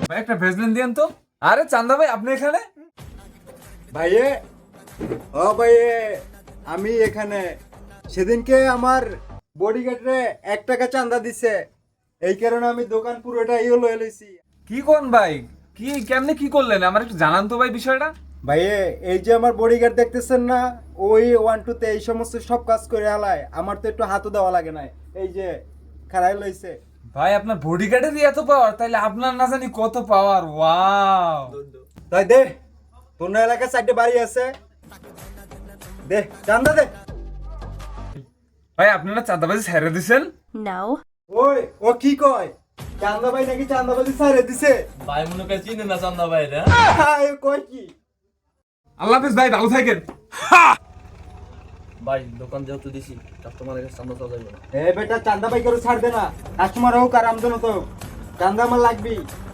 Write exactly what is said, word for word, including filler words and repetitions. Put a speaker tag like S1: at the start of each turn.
S1: ভাই একটা ভেজলেন দিয়েন তো। আরে চান্দা ভাই আপনি এখানে?
S2: ভাইয়ে, ও ভাইয়ে, আমি এখানে সেদিনকে আমার বডিগার্ডরে এক টাকা চাঁদা দিছে, এই কারণে আমি দোকান পুরোটা ইয়ে লয়ে লইছি।
S1: কি কোন ভাই? কি কেমনে কি করলেন আমার একটু জানান তো ভাই বিষয়টা।
S2: ভাইয়ে, এই যে আমার বডিগার্ড দেখতেছেন না, ওই ওয়ান টু তে এই সমস্ত সব কাজ করে হালায়, আমার তো একটু হাতও দেওয়া লাগে না। এই যে খাড়াই লইছে।
S1: ভাই আপনার বডিগার্ডেরই এত পাওয়ার, তাইলে আপনার না জানি কত পাওয়ার। ওয়াও।
S2: তাই দে, তোর না এলাকায় চারটে বাড়ি আছে, দে চান্দা দে।
S1: ভাই আপনারা চাঁদাবাজি ছেড়ে দিছেন?
S3: No.
S2: ওই ও কি কয়, চান্দা ভাই নাকি চান্দাবাজি ছাড়ে দিছে?
S4: ভাই মনে করে চিনে না চান্দা ভাই রে।
S2: হ্যাঁ, এ কয় কি?
S1: আল্লাহ হাফেজ ভাই, ভালো থাকেন।
S4: ভাই দোকান যেহেতু দিছি কাস্টমারের কাছে চান্দা চাওয়া যাবে না।
S2: এ বেটা, চান্দা ভাই করে ছাড় দে না, কাস্টমার হোক আর আমজন হোক, চান্দা আমার লাগবেই।